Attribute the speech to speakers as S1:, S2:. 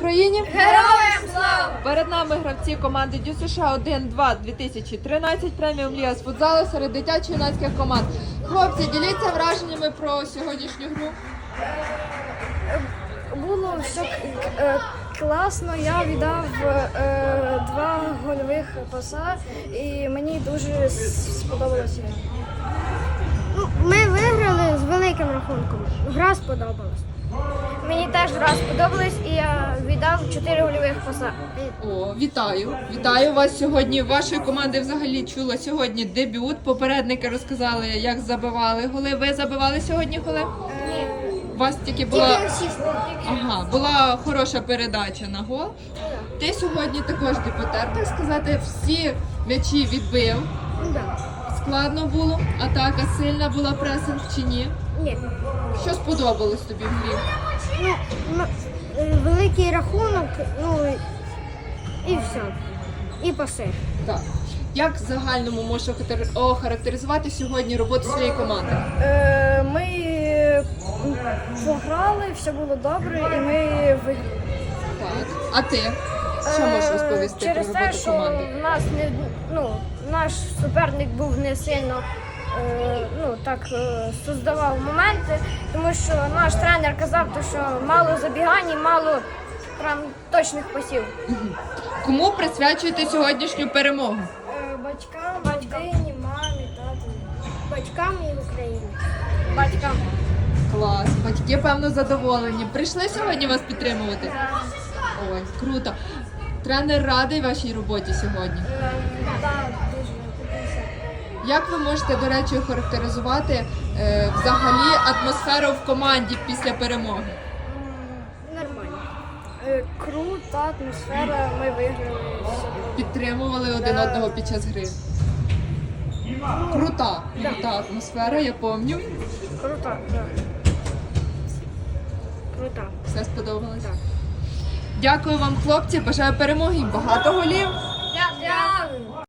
S1: Україні!
S2: Героям слава!
S1: Перед нами гравці команди Дю США 1-2 2013 преміум Ліга з футзалу серед дитячо-юнацьких команд. Хлопці, діліться враженнями про сьогоднішню гру.
S2: Було все класно, я віддав два гольових паса і мені дуже сподобалося. Ми виграли з великим рахунком. Гра сподобалась. Мені теж гра сподобалась і я віддав 4 гольових паса.
S1: О, вітаю! Вітаю вас сьогодні. Вашої команди взагалі чула сьогодні дебют. Попередники розказали, як забивали голи. Ви забивали сьогодні голи?
S2: Ні.
S1: У вас тільки була... була хороша передача на гол. Ти сьогодні також дебютер, так сказати, всі м'ячі відбив. Складно було, атака сильна була, пресинг чи ні?
S2: Ні.
S1: Що сподобалось тобі в грі?
S2: Великий рахунок, і все. І паси.
S1: Так. Як в загальному можеш охарактеризувати сьогодні роботу своєї команди?
S2: Ми пограли, все було добре і ми виграли.
S1: Так. А ти? Що можеш розповісти
S2: Через
S1: про
S2: те,
S1: роботу
S2: що
S1: команди?
S2: в нас наш суперник був не сильно создавав моменти, тому що наш тренер казав, що мало забігань, мало прям точних пасів.
S1: Кому присвячуєте сьогоднішню перемогу?
S2: Батькам, родині, мамі, тату. Батькам і Україні. Батькам.
S1: Клас. Батьки, певно, задоволені. Прийшли сьогодні вас підтримувати? Ой, круто. Тренер радий вашій роботі сьогодні.
S2: Так, дуже.
S1: Як ви можете, до речі, охарактеризувати взагалі атмосферу в команді після перемоги?
S2: Нормально. Крута атмосфера, ми виграли.
S1: Підтримували один одного під час гри? Крута атмосфера, я пам'ятаю.
S2: Крута, так. Крута.
S1: Все сподобалось?
S2: Так.
S1: Дякую вам, хлопці, бажаю перемоги і багато голів.
S2: Дякую.